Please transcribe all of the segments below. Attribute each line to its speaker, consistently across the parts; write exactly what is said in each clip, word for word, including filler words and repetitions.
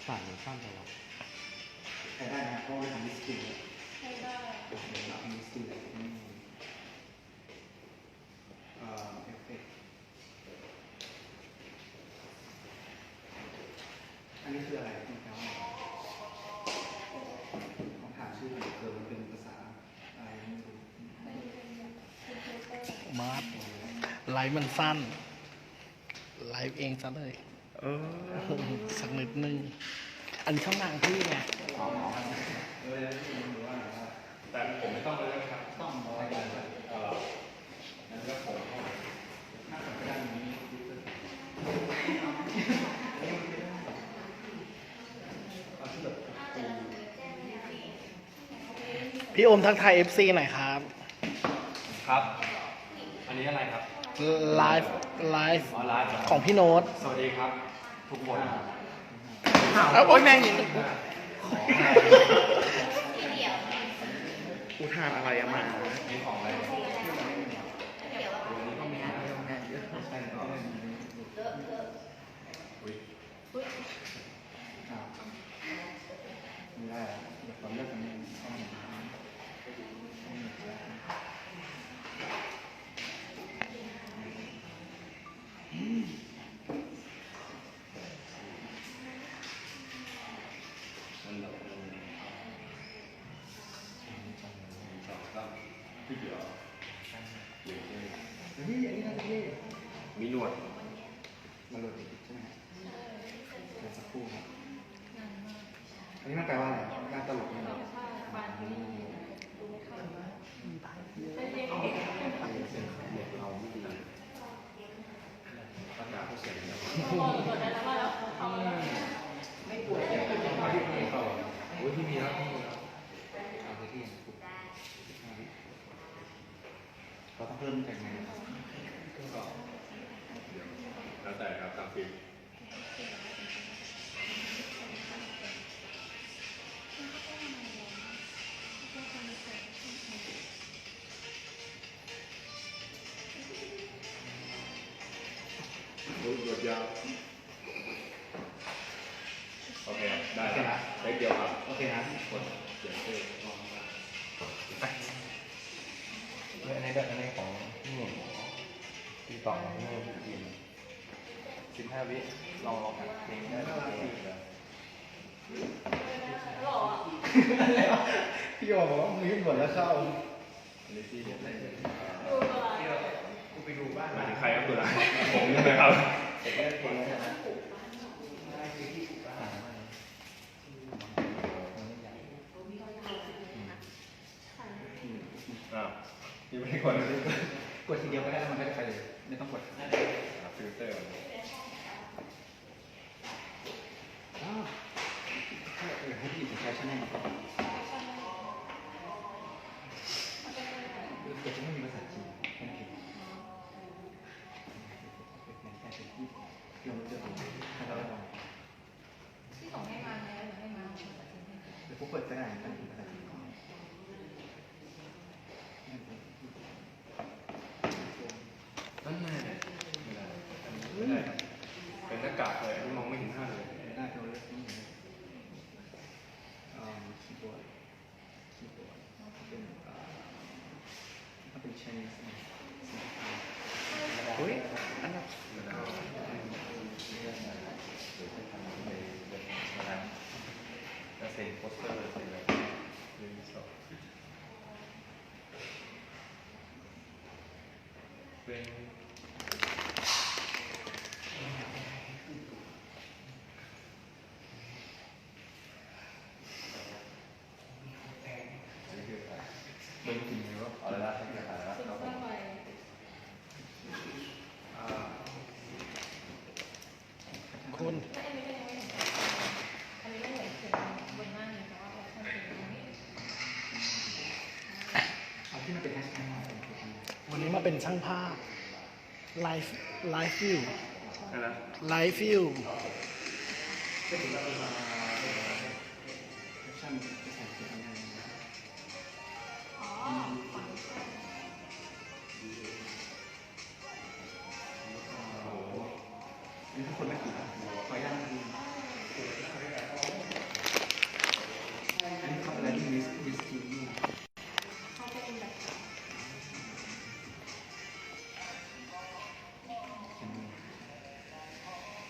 Speaker 1: สายมันสั้นไปแล้ว
Speaker 2: ใช้ได้นะเพราะว่าทำมิสกิล
Speaker 3: ใช้ได้
Speaker 2: ทำมิสกิลเอ่อเอฟเฟกต์อันนี้คืออะไรคุณแปลว่าต้องถามชื่อมันเกิดมันเป็นภาษาอะไรไม่รู้
Speaker 4: มาร์ทไลฟ์มันสั้นไลฟ์เองซะเลยเออสักนิดนึงอันนี้ช่องทางพี่ไง
Speaker 1: แต่ผมไม่ต้องเลยนะครับต้องรายการเอ่อนั่นก็ผมน่าจะไปด้านนี้
Speaker 4: พี่โอมทักทาย เอฟ ซี หน่อยครับ
Speaker 1: ครับอันนี้อะไรครับ
Speaker 4: ไลฟ์ไลฟ์
Speaker 1: อ๋อไลฟ์
Speaker 4: ของพี่โน้ต
Speaker 1: สวัสดีครับทุกคน
Speaker 4: เอาโอ๊ยแม่งยิง
Speaker 2: กูทานอะไรอะมา
Speaker 1: นี่ของอะไร
Speaker 2: ไม่ได้เดี๋ยวผมเลิกกันนี่ต้องเห็นนี่อย่างนี้นะพี่
Speaker 1: มีหนวด
Speaker 2: มาโหลดอีกใช่ไหมเดี๋ยวสักครู่ครับอันนี้มันแปลว่าอะไรการตลกนี่เหรอ
Speaker 1: เราไม่ดีประกาศเสียงเดียวไม่ปวดโอ้ยที่มีแล้วที่มีแล้ว
Speaker 2: เอาไปที่เราต้องเพิ่มจากไหนครับ
Speaker 1: แล้วแต่ครับตามฟิล์มโอ้ยหยดยาวโอเคได้แล้วเล็กเดียวครับ
Speaker 2: โอเคนะ
Speaker 1: กดเขียนชื่อลองมา
Speaker 5: เฮ้ยอันนี้แบบอันนี้ของพี่หนุ่มพี่ต่อพี่หนุ่มพี่กินสิบห้าวิลองลองหัดเพลงได้เลย
Speaker 2: พี่บอกว่ามีหมดแล้วเข้า
Speaker 1: ลิซี่เห็นได้เลย
Speaker 2: กูไปดูบ้าน
Speaker 1: มาถึงใครครับตัวไหนผมใช่ไหมครับ
Speaker 2: เสร็จแล้วคนแล้วนะ
Speaker 1: อ่ายังไม่ได้กด
Speaker 2: กดทีเดียวก็ได้แล้วมันก็จะไปเลยไม่ต้องกด
Speaker 1: ฟิลเตอร์
Speaker 2: อ้าวเออให้พี่ใช้ชั่นแนลก่อนเดี๋ยวจะไม่มีภาษาจีนแค่นั้นเองที่เราจะดูให้เราลอง
Speaker 3: ที่ส่งให้มาแล้วหรือให้มา
Speaker 2: เดี๋ยวพวกเปิดก็ได้ตั้งภาษาจีนก่อน
Speaker 1: นั่นไงไม่ได้เป็นหน้ากากเลยมองไม่เห็นหน้าเลย
Speaker 2: หน้าเราเลือกนี่อ่าคีย์บอร์ดคีย์บอร์ดเป็นอ่าถ้าเป็น Chinese
Speaker 4: เฮ้ยอันนั้น
Speaker 5: จะเซ็นโปสเตอร์เซ็นอะไรเรื่องสองเป็น
Speaker 2: เป็นจริงไหมว่า
Speaker 5: เอาละทั้งที่ขายแล้วเรา
Speaker 4: คุณ
Speaker 2: เอาที่มันเป็นแฮชแท็ก
Speaker 4: วันนี้มาเป็นช่างภาพไลฟ์ไลฟ์ฟิว
Speaker 1: อะไรนะ
Speaker 4: ไลฟ์ฟิว
Speaker 2: ก็ถือว่าเป็นแฟชั่นภาษาจีนอะไรอ๋อนี่ทุกคนไม่กี่ขออนุญาต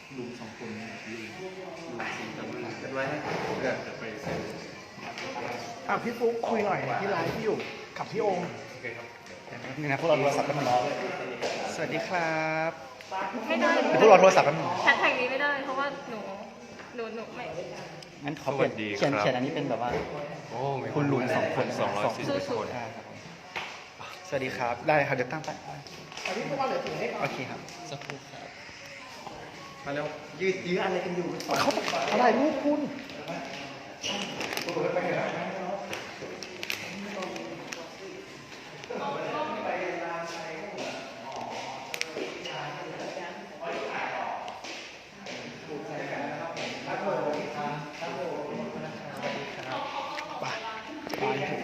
Speaker 2: ลุงสองคนเนี่ยลุงลุงสี่
Speaker 1: แต่
Speaker 2: คน
Speaker 1: ไม่
Speaker 2: กันไว้นะ
Speaker 1: เกิดจะไปเซ็น
Speaker 4: อ่ะพี่ฟุ๊กคุยหน่อยที่ไลฟ์ที่อยู่กับพี่โอม
Speaker 1: โอเคครับ
Speaker 2: นี่นะพวกเราโทรศัพท์กันมาสวัสดีครับ
Speaker 3: ไม่ได้
Speaker 2: เดี๋ยวพวกเราโทรศัพท์กันมา
Speaker 3: แฮชแท็กนี้ไม่ได้เพราะว่าหนูหนูหนูไม่
Speaker 2: งั้นขอเปลี่ยนเขียนเขียนอันนี้เป็นแบบว่า
Speaker 5: โอ้มี
Speaker 2: คุณลุงสองคน
Speaker 5: สองร้อยสี่สิบคน
Speaker 2: อ่าครับผมสวัสดีครับ ได้ครับเดี๋ยวตั้งไปโอเคครับ
Speaker 4: สักครู่ครับ
Speaker 2: มาเร็วยืดยื้ออะไรกันอยู่
Speaker 4: เขาอะไรรูปคุณ ไปไปไป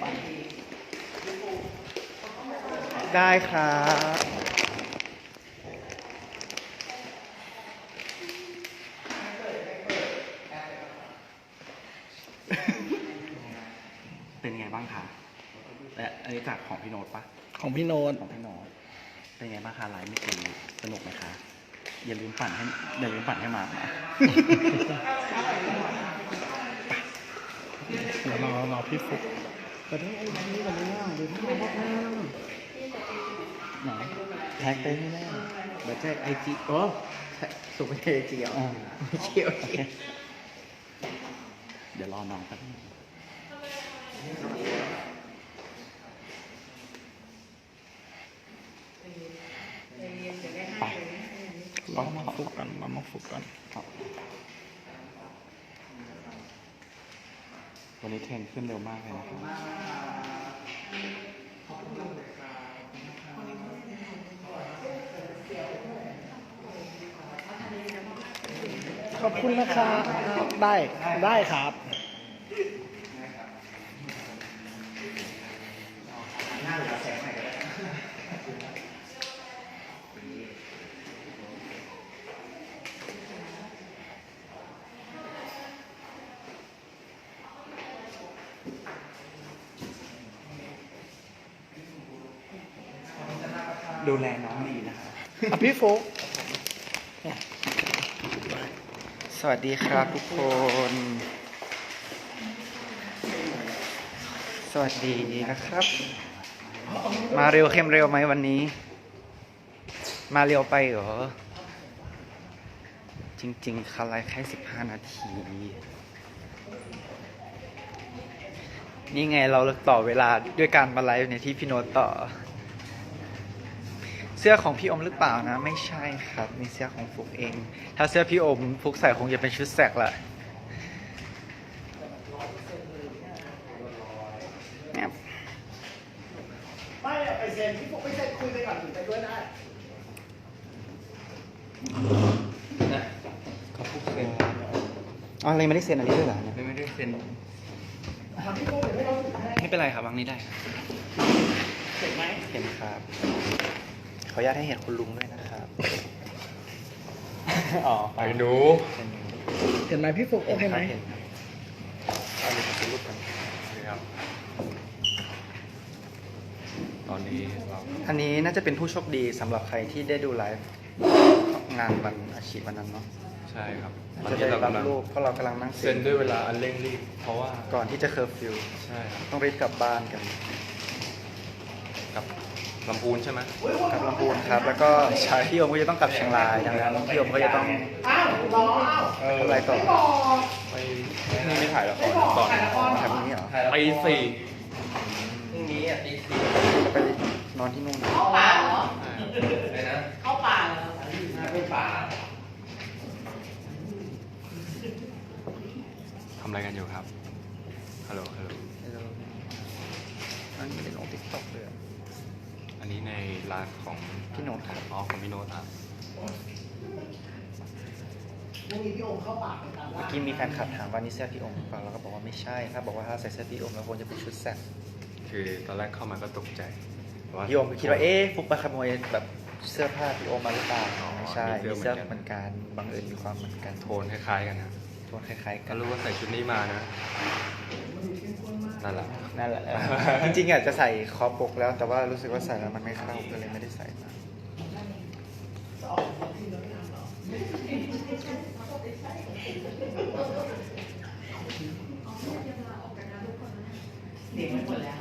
Speaker 2: ได้ครับ เป็นไงบ้างคะและอันนี้จากของพี่โน้ตปะ
Speaker 4: ของพี่โน้ต
Speaker 2: ของพี่โน้ตเป็นไงบ้างคะไลฟ์เมื่อกี้สนุกไหมคะ อย่าลืมปั่นให้อย่าลืมปั่นให้มานะ
Speaker 4: เดี๋ยวรอรอพี่ฟุ๊กแต่ได้ไอ้นี้กันเลยนะเดี๋ยวพี่มาบอกนะ
Speaker 2: ไหนแท็กได้ไม่ได้เดี๋ยวแท็กไอจีโอ้ส่งไปไอจีอ่ะไม่เกี่ยวโอเคเดี๋ยวรอน้องแป๊บนึงไป
Speaker 4: รอมาฟุกกันรอมาฟุกกัน
Speaker 2: ครับวันนี้เทรนขึ้นเร็วมากเลยนะครับ
Speaker 4: ขอบคุณนะครับได้ได้ครับ
Speaker 2: ดูแลน้องดีนะครับ
Speaker 4: อ่ะพี่ฟุ๊ก
Speaker 2: สวัสดีครับทุกคน สวัสดีนะครับ มาเร็วเข้มเร็วไหมวันนี้ มาเร็วไปเหรอ จริงๆคาไลฟ์แค่สิบห้านาที นี่ไงเราต่อเวลาด้วยการมาไลฟ์ในที่พี่โน้ตต่อ เสื้อของพี่อมหรือเปล่านะ ไม่ใช่ครับมีเสื้อของฟุกเอง ถ้าเสื้อพี่อมฟุกใส่คงจะเป็นชุดแสกละแอบ
Speaker 4: ไม่ไปเซ็นพี่ฟุ๊กไปเซ็นคุยไปก่อนถึงไปด้วยได้
Speaker 2: เขาฟุกเซ็นอ๋ออะไรไม่ได้เซ็นอันนี้ด้วยเหรอเนี่ย
Speaker 5: ไม่ได้เซ็น
Speaker 4: พี่ฟุ๊กเดี๋ยวไม่ต้องถึงให้
Speaker 2: ไม่เป็นไรครับวางนี้ได้
Speaker 4: เสร็จไหม
Speaker 2: เห็นครับ ขออนุญาตให้เห็นคุณลุงด้วยนะครับ อ๋อ
Speaker 5: ไปดู
Speaker 2: เห็น
Speaker 4: เห็นไหมพี่ฟุ๊กโอเคไหม
Speaker 2: เห็นครับ
Speaker 5: อันนี้เป็นรูปกันนะครับ ตอนนี้เรา
Speaker 2: อันนี้น่าจะเป็นผู้โชคดีสำหรับใครที่ได้ดูไลฟ์งานวันอาชีพวันนั้นเนาะ
Speaker 5: ใช่ครับตอน
Speaker 2: จะ
Speaker 5: นี้
Speaker 2: ได้
Speaker 5: เรา
Speaker 2: รับ
Speaker 5: กำลัง
Speaker 2: รูปเพราะเรากำลังนั่ง
Speaker 5: เซ็นด้วยเวลาอันเร่งรีบ เพราะว่า
Speaker 2: ก่อนที่จะเคอร์ฟิว
Speaker 5: ใช่ครับ
Speaker 2: ต้องรีบกลับบ้านกัน
Speaker 5: กับลำพูนใช่ไหม
Speaker 2: กลับลำพูนครับ แล้วก็พี่โอมก็จะต้องกลับเชียงรายดังนั้นพี่โอมก็จะต้อง
Speaker 4: อ้าวรออ้าว
Speaker 5: เออ
Speaker 2: ทำอะไรต่อ
Speaker 5: ไปนี่ไม่ถ่ายละครตอน
Speaker 2: ทำนี้เหรอ
Speaker 5: ตีสี่
Speaker 2: พรุ่งนี้อ่ะตีสี่จะไปนอนที่นู่นนะ
Speaker 3: เข้าป่าเหรอ
Speaker 5: อะไรนะ
Speaker 3: เข้าป่าเหรอ
Speaker 5: ไม่ป่าทำอะไรกันอยู่ครับ ฮัลโหล ฮัลโหล
Speaker 2: อันนี้เป็นลงติ๊กต็อกเลยอะ
Speaker 5: อันนี้ในไลฟ์ของ
Speaker 2: พี่โน้ตครับ
Speaker 5: อ๋อของพี่โน้ตครับ
Speaker 4: พรุ่งนี้พี่โอมเข้าป่าไปตาม
Speaker 2: เมื่
Speaker 4: ล่า
Speaker 2: อกี้มีแฟนคลับถามว่านี่เสื้อพี่โอมหรือเปล่าเราก็บอกว่าไม่ใช่ถ้าบอกว่าถ้าใส่เสื้อพี่โอมแล้วควรจะเป็นชุดแซก
Speaker 5: คือตอนแรกเข้ามาก็ตกใจว่า
Speaker 2: พี่โอมก็คิดว่าเอ๊ะฟุกไปขโมยแบบเสื้อผ้าพี่โอมมาหรือเปล่า
Speaker 5: อ๋อ
Speaker 2: ไม่ใช่
Speaker 5: มี
Speaker 2: มี
Speaker 5: เสื้
Speaker 2: เสื้
Speaker 5: อ
Speaker 2: อ
Speaker 5: เหมือนกัน
Speaker 2: เหมือนกันบังเอิญมีความเหมือนกัน
Speaker 5: โทนคล้ายๆกันนะ
Speaker 2: โทนคล้ายๆกั
Speaker 5: ก็
Speaker 2: น
Speaker 5: รู้ว่าใส่ชุดนี้มานะ นั่นแหละ
Speaker 2: นั่นแหละเออจริงๆอยากจะใส่คอปกแล้ว แต่ว่ารู้สึกว่าใส่แล้วมันไม่เข้าก็เลยไม่ได้ใส่มา
Speaker 3: เด็กมันหมดแล้ว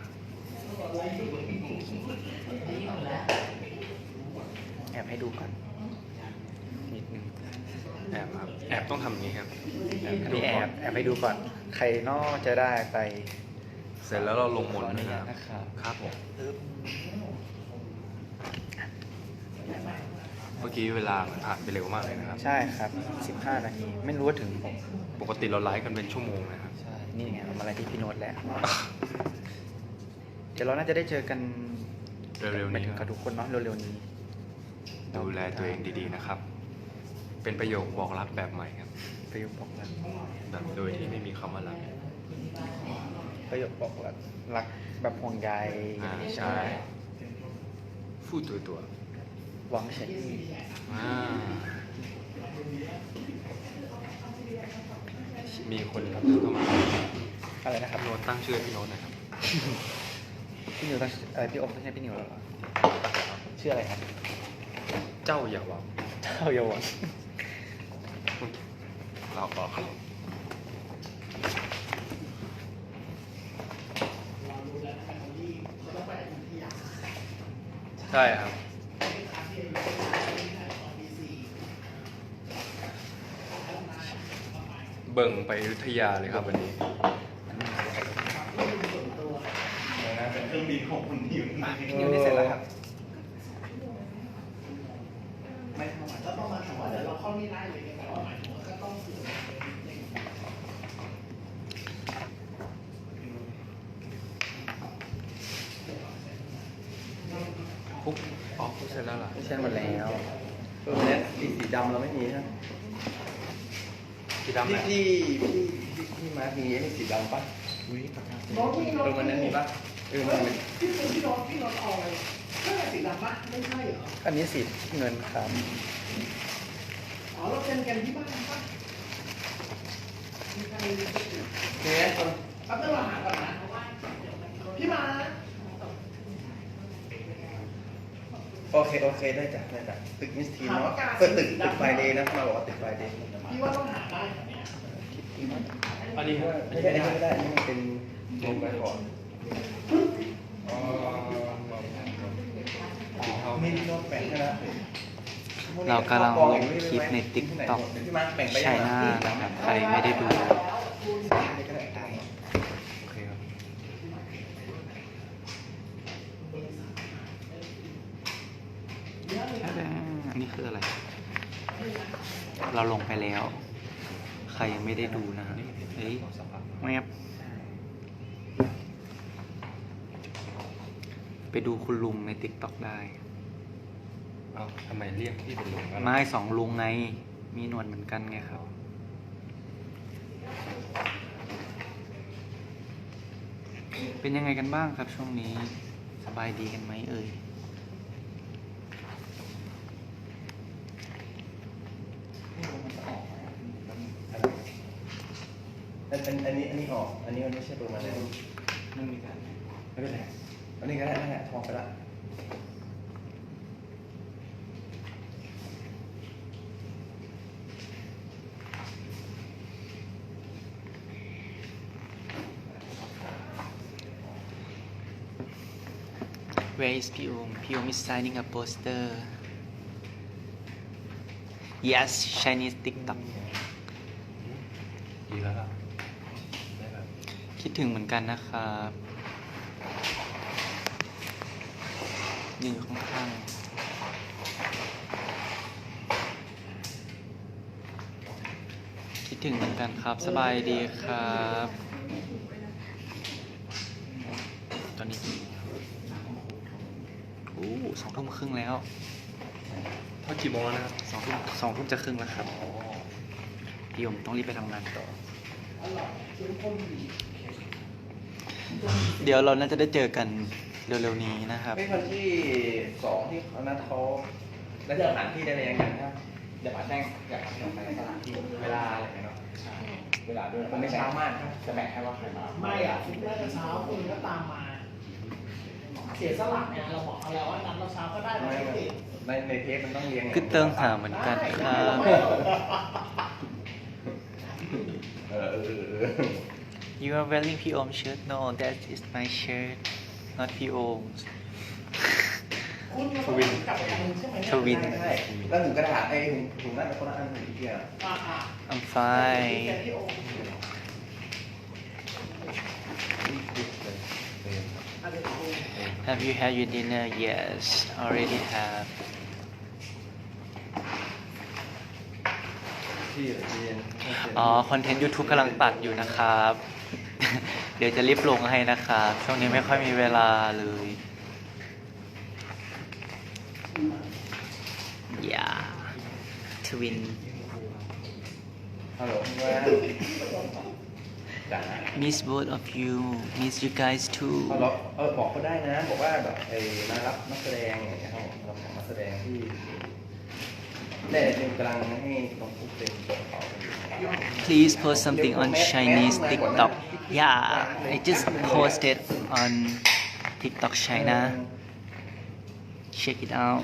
Speaker 3: นี่หมดแล้ว
Speaker 2: แอบให้ดูก่อนนิดนึง
Speaker 1: แอบครับ แอบต้องทำอย่างนี้ครับแอบให้
Speaker 2: อัน
Speaker 1: ดู
Speaker 2: นี้แอ
Speaker 1: ก่อน
Speaker 2: บแอบให้ดูก่อน ใครนอกจะได้ไป
Speaker 1: เสร็จแล้วเราลงมนต์
Speaker 2: ขออนุ
Speaker 1: นะ
Speaker 2: ญาต
Speaker 1: ครับ
Speaker 2: นะครับ
Speaker 1: ครับผมเมื่อกี้เวลามันผ่านไปเร็วมากเลยนะครับ
Speaker 2: ใช่ครับสิบห้านาที ไม่รู้ว่าถึงผม
Speaker 1: ปกติเราไลฟ์กันเป็นชั่วโมงนะครับ
Speaker 2: ใช่ นี่ไงเรามาอะไรที่พี่โน้ตแล้ว เดี๋ยวเราน่าจะได้เจอกัน
Speaker 1: เร็วๆ
Speaker 2: หมาย
Speaker 1: นี้
Speaker 2: ถึง
Speaker 1: ค
Speaker 2: กั
Speaker 1: รั
Speaker 2: บบ ทุกคนเนาะเร็วๆนี้
Speaker 1: ดูแลตัวเองดีๆนะครับ เป็นประโยคบอกรักแบบใหม่ครับ
Speaker 2: ประโยคบอกรัก
Speaker 1: แบบโดยที่ไม่มีคำว่ารัก
Speaker 2: ประโยคบอกรักรักแบบห่วงใย
Speaker 1: อ่าใช่พูดตัวตัว
Speaker 2: หวังเฉย
Speaker 1: ๆอ่ามีคนครับเข้ามา
Speaker 2: อะไรนะครับ
Speaker 1: โน้ตตั้งชื่อให้พี่โน้ตนะครับ
Speaker 2: พี่นิวต้องอะไรพี่อมต้องใช่พี่นิวแล้วเหรอชื่ออะไรครับ
Speaker 1: เจ้าอย่าหวัง
Speaker 2: เจ้าเยาวชน
Speaker 1: เราบอกครับใช่ครับ เบิ่งไปอยุธยาเลยครับวันนี้
Speaker 5: เป็นเครื่องบินของคุณนิว
Speaker 2: พี่นิวนี่เสร็จแล้วครับ
Speaker 4: ก็ต้องมาถามว่าเดี๋ยวเราเข้านี่ได้เลยแต่ว่าหมายถึงว่าก็ต้องเผื่อ
Speaker 1: ปุ๊บอ๋อเสร็จแล้วเหรอ
Speaker 2: ไม่ใช่หมดแล้ว
Speaker 5: เออเนี่ยสีสีดำเราไม่มีนะ
Speaker 1: สีดำ
Speaker 5: พี่
Speaker 1: นะ
Speaker 5: พี่พี่พี่มาร์คมีไอ้สีดำปะ
Speaker 2: อุ้ยปากกา
Speaker 4: น้องพี่น้อง
Speaker 5: เออวันนั้นมีปะเออมันเป็น
Speaker 4: พี่เป็นพี่น้องพี่น้องเอาอะไรเสื้อสีดำปะไม่ใช่เหรอ
Speaker 2: อันนี้สีเงินครับ
Speaker 4: อ๋อเราเป็นกันที่บ้านปะมีใคร
Speaker 5: เนี่ยคน
Speaker 4: แป๊บนึงเราหาก่อนนะพี่มา
Speaker 5: โอเคโอเคได้จ้ะได้จ้ะตึกมิสทีนเนาะเปิดตึกตึกไฟเดย์นะมาบอกว่าตึกไฟเดย์
Speaker 4: พี่ว่าต้องหาได้เหรอเนี่ย
Speaker 1: อันนี้
Speaker 5: ไม่ใช่อันนี้ไม่ได้อันนี้มันเป็นลงไปก่อนอ๋อมีโน้ตแบ่งให้แล้ว
Speaker 2: เรากำลังลงคลิปในติ๊กต็อก
Speaker 5: พี่มาร์คแบ่งไป
Speaker 2: ใช่หน้านะครับ ใครไม่ได้ดู
Speaker 1: โอเคครับ
Speaker 2: อันนี้คืออะไร เราลงไปแล้ว ใครยังไม่ได้ดูนะฮะเฮ้ยแมบไปดูคุณลุงในติ๊กต็อกได้
Speaker 1: เอ้าทำไมเรียกพี่เป็นลุงกัน
Speaker 2: ไม้สองลุงไง มีหนวดเหมือนกันไงครับ เป็นยังไงกันบ้างครับช่วงนี้ สบายดีกันไหมเอ่ย
Speaker 5: อันอันอันนี้อันนี้ออกอันนี้มันไม่ใช่ตัวมันเลย
Speaker 2: ไม่มีการ
Speaker 5: ไม่เป็นไรอันนี้ก็ได้นั่นแหละทองไปละ
Speaker 2: Where is พี่โอมพี่โอม is signing a poster Yes Chinese TikTok
Speaker 1: ดีแล้วล่ะได้แบบ
Speaker 2: คิดถึงเหมือนกันนะครับยืนอยู่ข้างๆคิดถึงเหมือนกันครับ สบายดีครับ ตอนนี้โอ้สองทุ่มครึ่งแล้ว
Speaker 1: เท่ากี่โมงแล้วนะครับ
Speaker 2: สองทุ่มสองทุ่มจะครึ่งแล้วครับพี่ยมต้องรีบไปทำงานต่อ เดี๋ยวเราน่าจะได้เจอกันเร็วๆนี้นะครับ
Speaker 5: ไม่คนที่สองที่เขานัดเขาแล้วจะสถานที่ได้เลยยังไงครับเดี๋ยวป๋าแจ้งอยากทำไปสถานที่เวลาอะไรอย่างเงี้ยเนาะเวลาด้วยมันไม่เช้ามากครับจะแบ่งให้ว่าใครมา
Speaker 4: ไม่อ่ะคุณน่าจะเช้าคุณก็ตามมา เสียสละเนี่ยเราบอกเอาแล้วว่านัดเราเช้าก็ได้เราไม่ติด
Speaker 5: ในในเทปมันต้องเรียงไง
Speaker 2: คือเติงหาเหมือนกันครับ You are wearing พี่โอม shirt no that is my shirt not พี่โอม
Speaker 1: ทวิน
Speaker 2: ทวิน
Speaker 5: ใช่แล้วถุงกระดาษไอ้ถุงถุงนั่นคนละอันถุงเดียว
Speaker 2: I'm fine Have you had your dinner Yes already have
Speaker 5: ที่ที่เย็น
Speaker 2: อ๋อ คอนเทนต์ YouTube กำลังตัดอยู่นะครับ เดี๋ยวจะรีบลงให้นะครับ ช่วงนี้ไม่ค่อยมีเวลาเลยอย่าทวิน
Speaker 5: ฮัลโหลว่าจ๋า
Speaker 2: Miss both of you Miss you guys too
Speaker 5: เอาล็อกเออบอกเขาได้นะ บอกว่าแบบไอ้มารับนักแสดงอย่างเงี้ยครับผมรับนักแสดงที่เนี่ยเดี๋ยวกำลังให้น้องปุ๊กเป็นตัวเขาอยู่
Speaker 2: Please post something on Chinese TikTok Yeah I just posted on TikTok China Check it out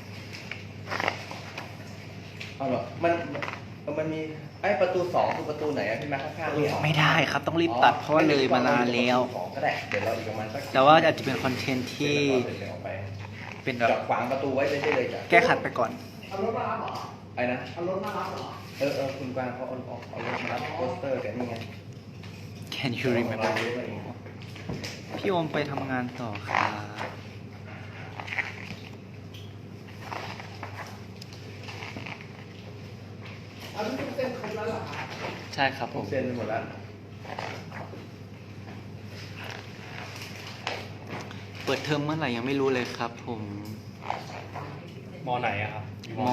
Speaker 5: เอาเหรอมันมันมีไอ้ประตูสองคือประตูไหนอะที่มาข้างๆนี่เหรอ
Speaker 2: ไม่ได้ครับต้องรีบตัดเพราะว่าเลยมานานแล้ว
Speaker 5: สองก็ได้เดี๋ยวเราอีกประมาณสัก
Speaker 2: แต่ว่าอาจจะเป็นคอนเทนต์ที่
Speaker 5: เดี๋ยวเราไป
Speaker 2: เป็นแบ
Speaker 5: จ
Speaker 2: บ
Speaker 5: อดขวางประตูไว้ได้เลยจ้ะ
Speaker 2: แก้ขัดไปก่อน
Speaker 5: ไอ้นะเอารถมารับเหรอเออเออคุณกวางเขาเอาเอาเอารถมารับโปสเตอร์กันนี่ไง
Speaker 2: Can you remember พี่โอมไปทำงานต่อครับ ใช่ครับผม
Speaker 5: เซ็นไปหมดแล้ว
Speaker 2: เปิดเทอมเมื่อไหร่ยังไม่รู้เลยครับผม
Speaker 1: มอไหนอะครับอยู่
Speaker 2: ม
Speaker 1: ไหน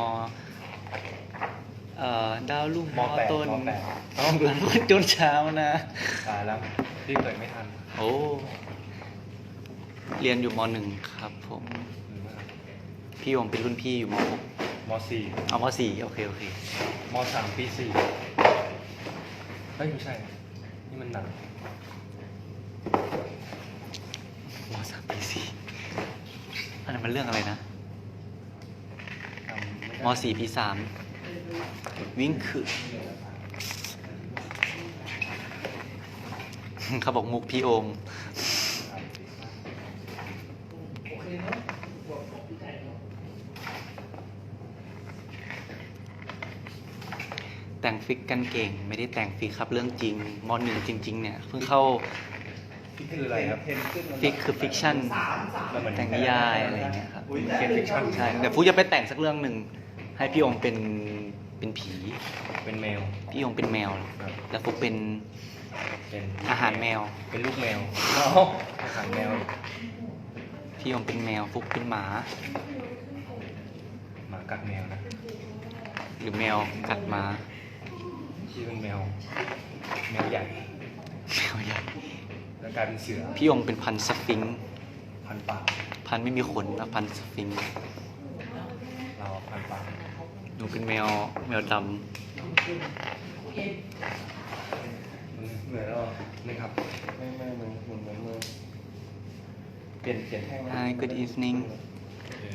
Speaker 2: เอ่อดาวลุ่ง
Speaker 1: มแปด
Speaker 2: ต้น
Speaker 1: มแปด
Speaker 2: ต้องดูจนเช้านะ
Speaker 1: ตายแล้วรีบเกิดไม่ทัน
Speaker 2: โอ้เรียนอยู่มหนึ่งครับผม
Speaker 1: หรือว่า
Speaker 2: พี่โอมเป็นรุ่นพี่อยู่มหก
Speaker 1: มสี่
Speaker 2: เอามสี่โอเคโอเค
Speaker 1: มสามปีสี่เฮ้ยไม่ใช่ นี่มันหนัก
Speaker 2: มสามปีสี่อันนั้นมันเรื่องอะไรนะ
Speaker 1: จำไม่ได้
Speaker 2: มสี่ปีสามวิ่งคือ เขาบอกมุกพี่โอม แต่งฟิกกันเก่ง ไม่ได้แต่งฟิกครับเรื่องจริงมหนึ่งจริง ๆ เนี่ยเพิ่งเข้า
Speaker 1: นี่คืออะไรครับ
Speaker 2: ฟิกคือฟิกชั่น
Speaker 1: มันเหมือน
Speaker 2: แต่งนิยายอะไรอย่างเงี้ยครับ
Speaker 1: เขียนฟิกชั่น
Speaker 2: ใช่แต่ฟูจะไปแต่งสักเรื่องหนึ่งให้พี่โอมเป็นเป็นผี
Speaker 1: เป็นแมว
Speaker 2: พี่โอมเป็นแมว
Speaker 1: ครับ
Speaker 2: แล้วฟุกเป็น
Speaker 1: เป็น
Speaker 2: อาหารแมว
Speaker 1: เป็นลูกแมวอาหารแมว
Speaker 2: พี่โอมเป็นแมวฟุกเป็นหมา
Speaker 1: หมากัดแมวนะ
Speaker 2: หรือแมวกัดหมา
Speaker 1: ที่เป็นแมว แมวใหญ่
Speaker 2: แมวใหญ่
Speaker 1: แล้วกลายเป็นเสือ
Speaker 2: พี่โอมเป็นพันธุ์สฟิงค์
Speaker 1: พันปาก
Speaker 2: พันธุ์ไม่มีขนนะพันธุ์สฟิงค์
Speaker 1: เราพันปาก
Speaker 2: หนูเป็นแมวแมวด
Speaker 5: เหมือนเรา
Speaker 1: นี่ครับ
Speaker 5: ไม่ไม่เหมือนเหมือนเหมือนมือเปลี่ยนเปลี่ยนแท่ง
Speaker 2: ำ Hi good evening
Speaker 1: โอเค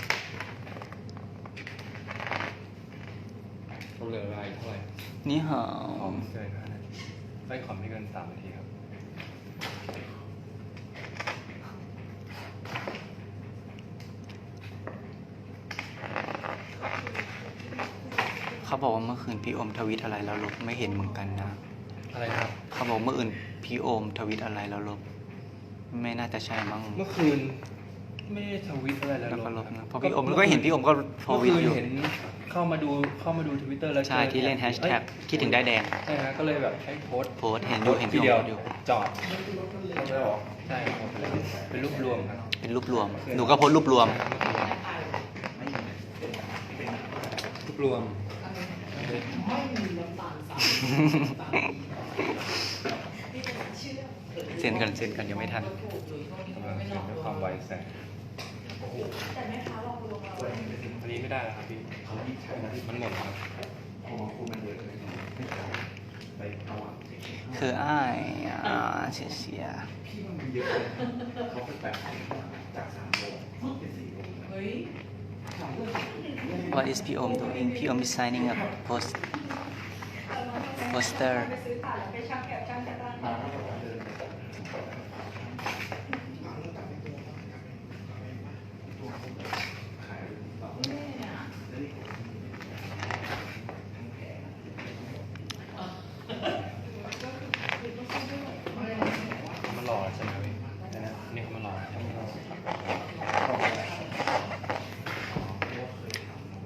Speaker 1: เขาเหลือเวลาอีกเท่าไหร่
Speaker 2: นี่หา
Speaker 1: ขอไม่เกินห้านาทีไม่ขอไม่เกินสามนาทีครับ
Speaker 2: เขาบอกว่าเมื่อคืนพี่โอมทวิตอะไรแล้วลบไม่เห็นเหมือนกันนะ
Speaker 1: อะไรนะครับ
Speaker 2: เขาบอกเมื่ออื่นพี่โอมทวิตอะไรแล้วลบไม่น่าจะใช่มั้ง
Speaker 1: เมื่อคืนไม่ได้ทวิตอะไรแล้ว
Speaker 2: แล้วก็ลบ
Speaker 1: ค
Speaker 2: นะ
Speaker 1: รับ
Speaker 2: เพราะพี่โอมก็เห็นพี่โอมก็ท
Speaker 1: เมื่อ
Speaker 2: วิต
Speaker 1: คืน
Speaker 2: อยู่
Speaker 1: เห็นเข้ามาดูเข้ามาดูทวิตเตอร์แล้ว
Speaker 2: ใช่ที่เล่นแฮชแท็กคิดถึงได้แดง
Speaker 1: ใช่ฮะก็เลยแบบให้โพสต์
Speaker 2: โพสต์เห็นอยู่เห็น
Speaker 1: ที
Speaker 2: พี่
Speaker 1: เดี
Speaker 2: โอ
Speaker 1: ยว
Speaker 2: มอยู่
Speaker 1: จอด
Speaker 5: ไม่ได้หรอ
Speaker 1: ใช่ครับเป็นรูปรวมครับ
Speaker 2: เป็นรูปรวม หนูก็โพสต์รูปรวม
Speaker 1: รูปรวม
Speaker 2: เซ็นกันเซ็นกันยังไม่ทัน
Speaker 1: กำลังเขียนด้วยความไวแสงอันนี้ไม่ได้แล้วครับพี่มันหมดครับ
Speaker 2: คืออ้ายอ่าเสียเสีย What is พี่โอม doing พี่โอม is signing a post poster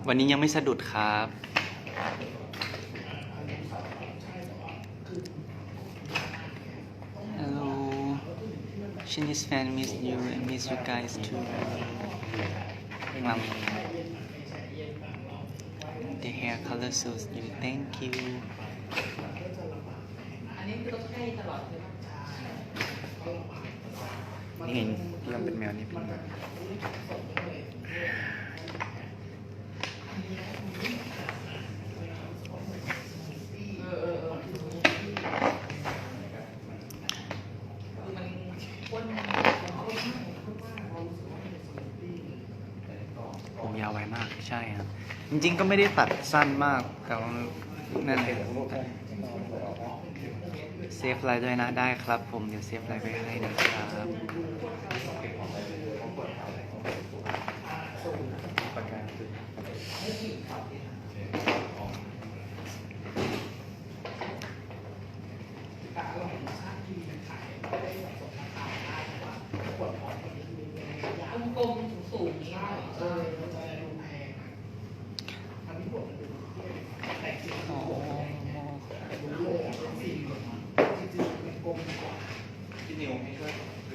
Speaker 2: วันนี้ยังไม่สะดุดครับ Hello Chinese fan miss you and miss you guys too งาม The hair color suits you thank you
Speaker 3: อันนี้คือต้องให้ตลอดเลยป่ะ
Speaker 2: นี่ไงพี่ยอมเป็นแมวนี่เป็นแมว
Speaker 3: เออเออเออคือมันข้นข้นมากข้นมากเรารู้สึกว่ามันเป็นสมูทตี้
Speaker 2: ผมยาวไวมากใช่ครับ จริงๆก็ไม่ได้ตัดสั้นมาก แต่ว่านั่นเองเซฟไลน์ด้วยนะได้ครับผมเดี๋ยวเซฟไลน์ไปให้นะครับ
Speaker 5: ประกันคือ
Speaker 3: กลมๆสูงๆนี้หน่อยเออ
Speaker 5: พี่นิวให้ช่วย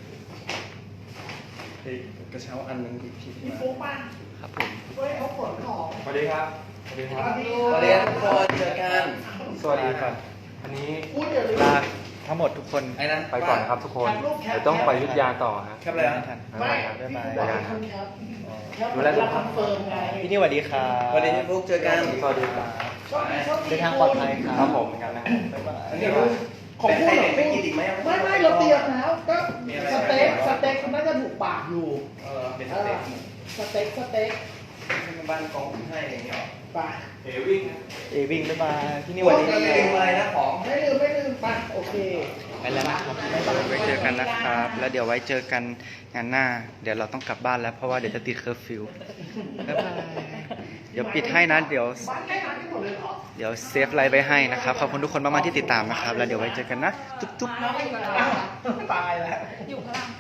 Speaker 5: เฮ้ยกระเช้าอันนึงที่พี่มา
Speaker 2: ครับผม
Speaker 1: สวัสดีครับ สวัสดีครับ
Speaker 5: สวัสดีครับทุกคนเจอกัน
Speaker 1: สวัสดีครับ อันนี้
Speaker 2: ลาทั้งหมดทุกคน
Speaker 5: ไอ้นั้น
Speaker 1: ไปก่อนนะครับทุกคน เดี๋ยวต้องไปอยุทธยาต่อครับ
Speaker 5: แคปเลยนะ
Speaker 1: บ๊ายบายครับบ๊ายบายเจอกันครับ
Speaker 4: ดูแลสุขภาพพี่นี่สวัสดีครับ
Speaker 5: สวัสดีพี่ฟุกเจอกัน
Speaker 1: สวัสดีครับ
Speaker 2: เดินทางปลอดภัยค
Speaker 1: ค
Speaker 2: รั
Speaker 1: รั
Speaker 2: บบ
Speaker 1: ผมเหมือนกันนะครับ
Speaker 2: บ๊ายบาย
Speaker 5: อันนี้ว่าของพูดหรอไม่กินอีกไหม
Speaker 4: ไม่ไม่เราเตรียมแล้วก็สเต็กสเต็กมันน่าจะถูกปากอยู่
Speaker 5: เออเป็น
Speaker 4: เอ
Speaker 5: สเต็
Speaker 4: อก สเต็กสเต็ก
Speaker 5: บ้านกองให้อะไรอย่างเงี้ย
Speaker 4: ไป
Speaker 1: เอวิ่ง
Speaker 2: เอวิ่งบ๊ายบายพี่นี่
Speaker 5: วั
Speaker 2: วัน น
Speaker 5: นี้
Speaker 2: นี้
Speaker 5: ลืมอะไรนะของ
Speaker 4: ไม่ลืมไม่ลืมไปโอเค
Speaker 2: ไปแล้วนะครับไว้เจอกันนะครับ แล้วเดี๋ยวไว้เจอกันงานหน้า เดี๋ยวเราต้องกลับบ้านแล้วเพราะว่าเดี๋ยวจะติดเคอร์ฟิวบ๊ายบายเดี๋ยวปิดให้นะเดี๋ยว
Speaker 4: บ้านใกล้ร้านกันหมดเลยเหรอ
Speaker 2: เดี๋ยวเซฟไลน์ไปให้นะครับ ขอบคุณทุกคนมากๆที่ติดตามนะครับ แล้วเดี๋ยวไว้เจอกันนะ จุ๊บๆ
Speaker 4: ตายแล้ว
Speaker 3: อยู่ข้างล่าง